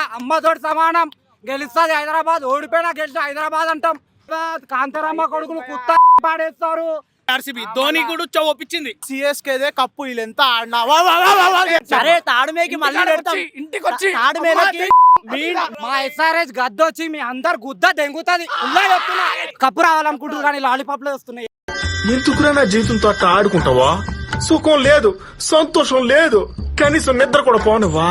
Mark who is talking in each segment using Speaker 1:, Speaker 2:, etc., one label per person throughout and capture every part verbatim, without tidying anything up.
Speaker 1: అమ్మతోటి సమానం. గెలుస్తుంది హైదరాబాద్, ఓడిపోయినా గెలిచి హైదరాబాద్ అంటాం. కాంతారమ్మ కొడుకులు కుత్త పాడేస్తారు.
Speaker 2: ఆర్సీబీ ధోని కూడా ఉచ్చ ఒప్పించింది.
Speaker 3: సిఎస్కేదే కప్పు వీళ్ళెంత ఆడినా
Speaker 4: సరే తాడుమేకి మళ్ళీ
Speaker 2: ఇంటికి వచ్చి
Speaker 4: తాడుమేలకి
Speaker 1: మా ఎస్ఆర్ఎస్ గద్దొచ్చి మీ అందరు గుద్ద దెంగుతుంది. చెప్తున్నా కప్పు రావాలనుకుంటున్నారు కానీ లాలీపాప్ లో వస్తున్నాయి.
Speaker 5: ఎందుకురా నా జీవితంతో అట్లా ఆడుకుంటావా? సుఖం లేదు, సంతోషం లేదు, కనీసం నిద్ర కూడా పోనివా?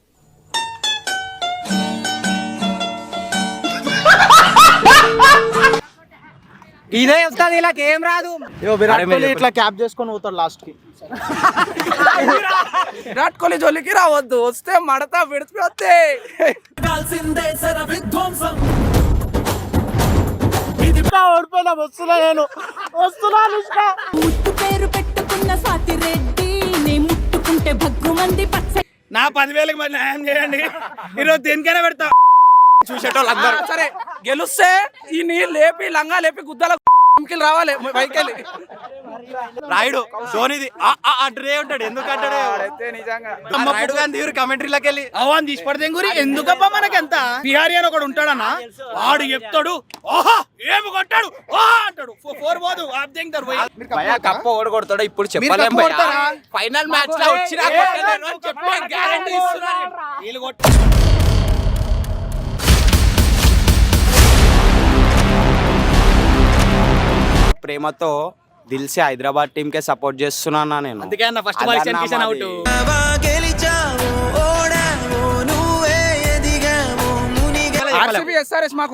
Speaker 1: ఇదే వస్తుంది, ఇలా ఏం రాదు.
Speaker 3: విరాట్ కోహ్లీ ఇట్లా క్యాప్ చేసుకొని పోతాడు లాస్ట్ కి.
Speaker 2: విరాట్ కోహ్లీ జోలికి రావద్దు, వస్తే మడతా విడిచిపోతే
Speaker 3: ఓడిపోయినా వస్తున్నా నేను వస్తున్నా.
Speaker 6: ముట్టు పేరు పెట్టుకున్న స్వాతి రెడ్డి నే ముట్టుకుంటే భగ్గు మంది పచ్చ
Speaker 2: నా పదివేలకు మరి న్యాయం చేయండి. ఈరోజు దేనికైనా పెడతా. చూసేటోళ్ళు సరే గెలుస్తే ఈ నీళ్ళు లేపి లంగా లేపి గుద్దల రావాలి పైకెళ్ళి.
Speaker 4: రాయుడు ధోనిది అడ్డే ఉంటాడు. ఎందుకు అంటాడు రాయుడు గాంధీ కమెంటరీలోకి వెళ్ళి
Speaker 2: అవన్ తీసి పడితే గురి ఎందుకబ్బా మనకెంత. బిహారీ అని ఒకడు ఉంటాడన్నా, వాడు చెప్తాడు ఓహా ఏమి కొట్టాడు ఓహా అంటాడు. ఫోర్ పోదు
Speaker 4: కప్ప ఓడగొడతాడు. ఇప్పుడు చెప్పలేం ఫైనల్ మ్యాచ్ లో వచ్చినా చెప్పే గ్యారంటీ ఇస్తున్నాను. ప్రేమతో దిల్సే హైదరాబాద్ టీమ్ కే సపోర్ట్ చేస్తున్నా నేను.
Speaker 2: అందుకే అన్న first ball Ishan Kishan out. RCB SRS మాకు